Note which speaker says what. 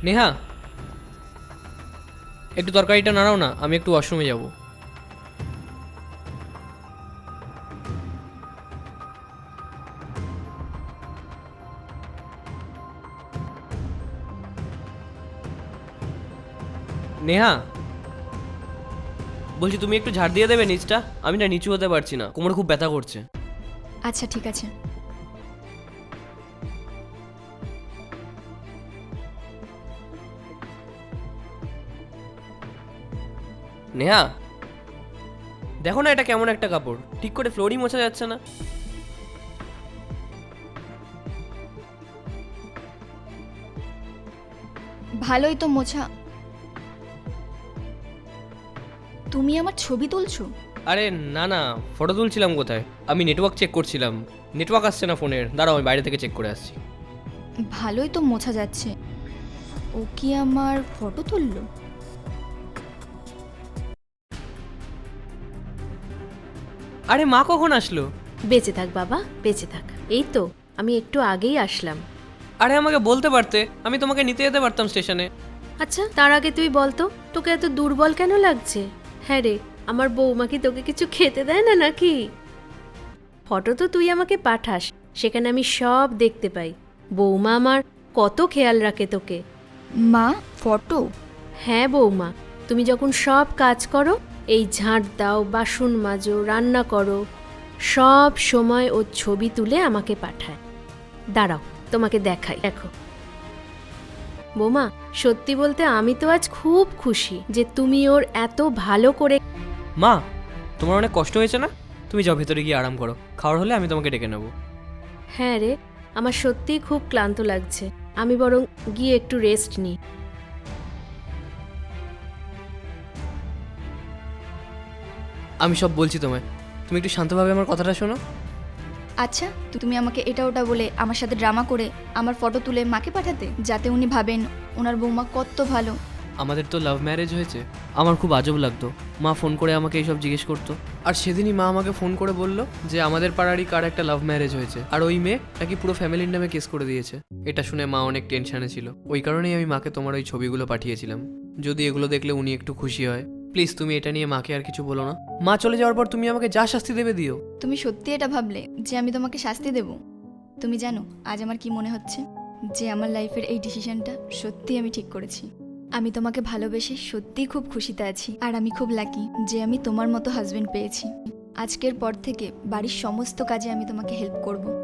Speaker 1: নেহা, একটু তরকারিটা নাড়াও না, আমি একটু ওয়াশরুমে যাব। নেহা, বলছি তুমি একটু ঝাড় দিয়ে দেবে নিচটা? আমি না নিচু হতে পারছি না, কোমরে খুব ব্যথা করছে।
Speaker 2: আচ্ছা ঠিক আছে।
Speaker 1: নেহা, দেখো না এটা কেমন একটা কাপড়, ঠিক করে ফ্লোরই মোছা যাচ্ছে না।
Speaker 2: ভালোই তো মোছা। তুমি আমার ছবি তুলছো?
Speaker 1: আরে না না, ফটো তুলছিলাম কোথায়, আমি নেটওয়ার্ক চেক করছিলাম। নেটওয়ার্ক আসছে না ফোনের, দাঁড়াও আমি বাইরে থেকে চেক করে আসছি।
Speaker 2: ভালোই তো মোছা যাচ্ছে। ও কি আমার ফটো তুললো?
Speaker 1: আরে মা কখন আসলো?
Speaker 3: বেঁচে থাক বাবা, বেঁচে থাক। এই তো আমি একটু আগেই আসলাম।
Speaker 1: আরে আমাকে বলতে পারতে, আমি তোমাকে নিতে যেতে পারতাম স্টেশনে।
Speaker 3: আচ্ছা তার আগে তুই বলতো, তোকে এত দুর্বল কেন লাগছে? হ্যাঁ রে, আমার বৌমা কি তোকে কিছু খেতে দেয় না নাকি? ফটো তো তুই আমাকে পাঠাস, সেখানে আমি সব দেখতে পাই। বৌমা আমার কত খেয়াল রাখে তোকে।
Speaker 2: মা, ফটো?
Speaker 3: হ্যাঁ বৌমা, তুমি যখন সব কাজ করো, এই ঝাঁট দাও, বাসন মাজো, রান্না করো, সব সময় ওর ছবি তুলে আমাকে পাঠায়। দাঁড়াও তোমাকে দেখাই, দেখো। বৌমা, সত্যি বলতে আমি তো আজ খুব খুশি যে তুমি ওর এত ভালো করে।
Speaker 1: মা, তোমার অনেক কষ্ট হয়েছে না? তুমি যাও ভেতরে গিয়ে আরাম করো, খাওয়ার হলে আমি তোমাকে ডেকে নেবো।
Speaker 3: হ্যাঁ রে, আমার সত্যিই খুব ক্লান্ত লাগছে, আমি বরং গিয়ে একটু রেস্ট নিই।
Speaker 1: আমি সব বলছি তোমায়, তুমি একটু শান্তভাবে আমার কথাটা শোনো।
Speaker 2: আচ্ছা, তুমি আমাকে এটা ওটা বলে আমার সাথে ড্রামা করে আমার ফটো তুলে মাকে পাঠাতে, যাতে উনি ভাবেন ওনার বৌমা কত ভালো।
Speaker 1: আমাদের তো লাভ ম্যারেজ হয়েছে। আমার খুব আজব লাগতো, মা ফোন করে আমাকে এইসব জিজ্ঞেস করতো। আর সেদিনই মা আমাকে ফোন করে বলল যে আমাদের পাড়ারই কার একটা লাভ ম্যারেজ হয়েছে, আর ওই মেয়ে নাকি পুরো ফ্যামিলির নামে কেস করে দিয়েছে। এটা শুনে মা অনেক টেনশনে ছিল, ওই কারণেই আমি মাকে তোমার ওই ছবিগুলো পাঠিয়েছিলাম। যদি এগুলো দেখলে উনি একটু খুশি হয়। প্লিজ তুমি এটা নিয়ে মাকে আর কিছু বলো না। মা চলে যাওয়ার পর তুমি আমাকে যা শাস্তি দেবে দিও।
Speaker 2: তুমি সত্যি এটা ভাবলে যে আমি তোমাকে শাস্তি দেব? তুমি জানো আজ আমার কি মনে হচ্ছে? যে আমার লাইফের এই ডিসিশনটা সত্যি আমি ঠিক করেছি। আমি তোমাকে ভালোবেসে সত্যিই খুব খুশিতে আছি, আর আমি খুব লাকি যে আমি তোমার মতো হাজবেন্ড পেয়েছি। আজকের পর থেকে বাড়ির সমস্ত কাজে আমি তোমাকে হেল্প করব।